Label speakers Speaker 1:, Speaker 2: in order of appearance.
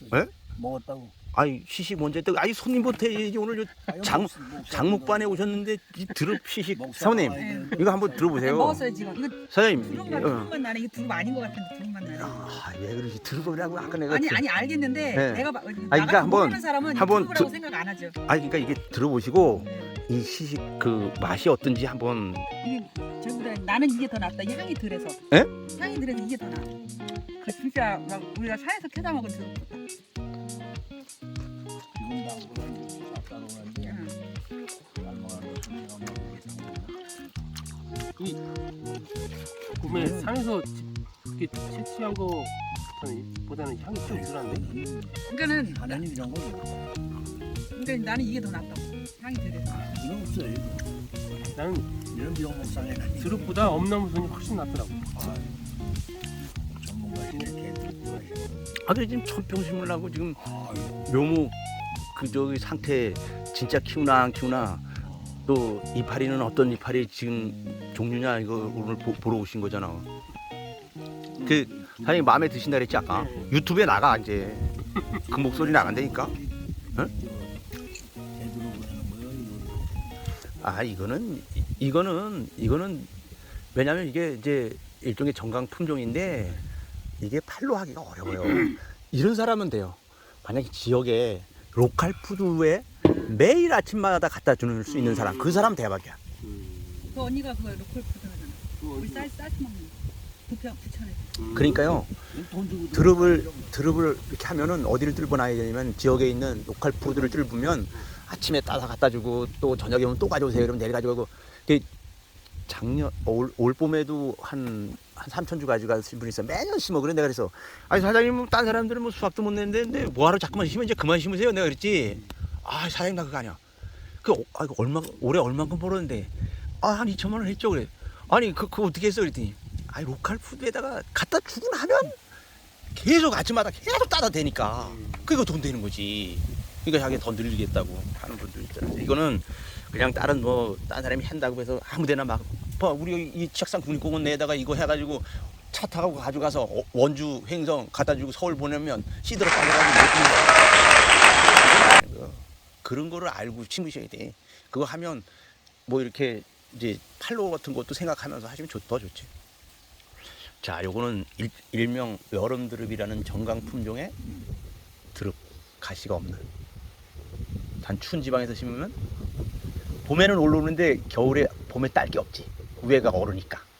Speaker 1: 먹었어.
Speaker 2: 예?
Speaker 1: 먹었다고.
Speaker 2: 아니 시식 먼저 했다고. 아니 손님부터 얘기 오늘 장목반에 오셨는데 이 드럽 시식 사모님 이거 한번 들어보세요.
Speaker 3: 먹었어요 지금. 이거
Speaker 2: 사장님.
Speaker 3: 두릅만 나네. 이거 두릅 아닌 것 같은데 두릅만 나네.
Speaker 2: 왜 그러지? 들어보라고 아까 내가
Speaker 3: 아니 알겠는데
Speaker 2: 네.
Speaker 3: 내가
Speaker 2: 그러니까
Speaker 3: 나가 모르는 사람은
Speaker 2: 한번
Speaker 3: 두릅이라고 생각 안 하죠.
Speaker 2: 아니 그러니까 이게 들어보시고
Speaker 3: 네.
Speaker 2: 이 시식 그 맛이 어떤지 한번.
Speaker 3: 이게 저보다 나는 이게 더 낫다. 이 향이 덜해서.
Speaker 2: 예?
Speaker 3: 향이 덜해서 이게 더 나. 그 진짜 막 우리가 산에서 캐다 먹은 두릅보다.
Speaker 1: 지금 나보다 이제 싹 따라오는데
Speaker 3: 응.
Speaker 1: 안 먹어도 내가 먹고
Speaker 4: 꿈에 산에서 이렇게 채취한 거 보다는 향이 좀 덜한데.
Speaker 3: 그러니까는
Speaker 1: 하나님 이런 거죠.
Speaker 3: 그러니까 나는 이게 더 낫다. 향이 덜해서.
Speaker 1: 이거 없어요.
Speaker 4: 나는
Speaker 1: 이런 비용목상에
Speaker 4: 드릅보다 엄나무순이 훨씬 낫더라고.
Speaker 1: 전문가시네 개들 좋아하시네.
Speaker 2: 아들 지금 천평 심으려고 지금
Speaker 1: 아유,
Speaker 2: 묘목 그 저기 상태 진짜 키우나 안 키우나 또 이파리는 어떤 이파리 지금 종류냐 이거 오늘 보러 오신 거잖아. 그 사장님 마음에 드신다 그랬지 아까. 유튜브에 나가 이제 그 목소리 나간다니까.
Speaker 1: 제대로 보내는 거예요. 이거.
Speaker 2: 아 이거는 왜냐면 이게 이제 일종의 정강 품종인데 이게 팔로 하기가 어려워요. 이런 사람은 돼요. 만약에 지역에 로컬 푸드에 매일 아침마다 갖다 주는 수 있는 사람, 그 사람 대박이야.
Speaker 3: 그 언니가 그거 로컬 푸드 하잖아. 우리 쌀 먹는 거. 부천에.
Speaker 2: 그러니까요.
Speaker 1: 돈 주고
Speaker 2: 드릅을 이렇게 하면은 어디를 뚫고 나야 되냐면 지역에 있는 로컬 푸드를 뚫으면 아침에 따서 갖다 주고 또 저녁에 오면 또 가져오세요. 그러면 내일 가져가고. 작년 올 봄에도 한 3,000주 가져가신 분이 있어. 매년 심어. 그래 내가 그래서 아니 사장님 딴 사람들은 뭐 수확도 못 내는데 근데 뭐하러 자꾸만 심으면 이제 그만 심으세요. 내가 그랬지. 아 사장님 나 그거 아니야. 이거 올해 얼마큼 벌었는데 한 2천만 원 했죠. 그래. 아니 그거 어떻게 했어 그랬더니 아니 로컬 푸드에다가 갖다 주고 나면 계속 아침마다 계속 따다 대니까 그거 돈 되는 거지. 그러니까 자기 더 늘리겠다고 하는 분들 있잖아요. 이거는 그냥 딴 사람이 한다고 해서 아무데나 막 우리 이 책상 국립공원 내에다가 이거 해가지고 차 타고 가져가서 원주 횡성 갖다 주고 서울 보내면 시들어 빠져가지고 못 심는 그런 거를 알고 심으셔야 돼. 그거 하면 뭐 이렇게 이제 팔로워 같은 것도 생각하면서 하시면 더 좋지. 자, 요거는 일명 여름 드릅이라는 정강 품종의 드릅, 가시가 없는. 단 추운 지방에서 심으면 봄에는 올라오는데 봄에 딸 게 없지. 위에가 얼으니까.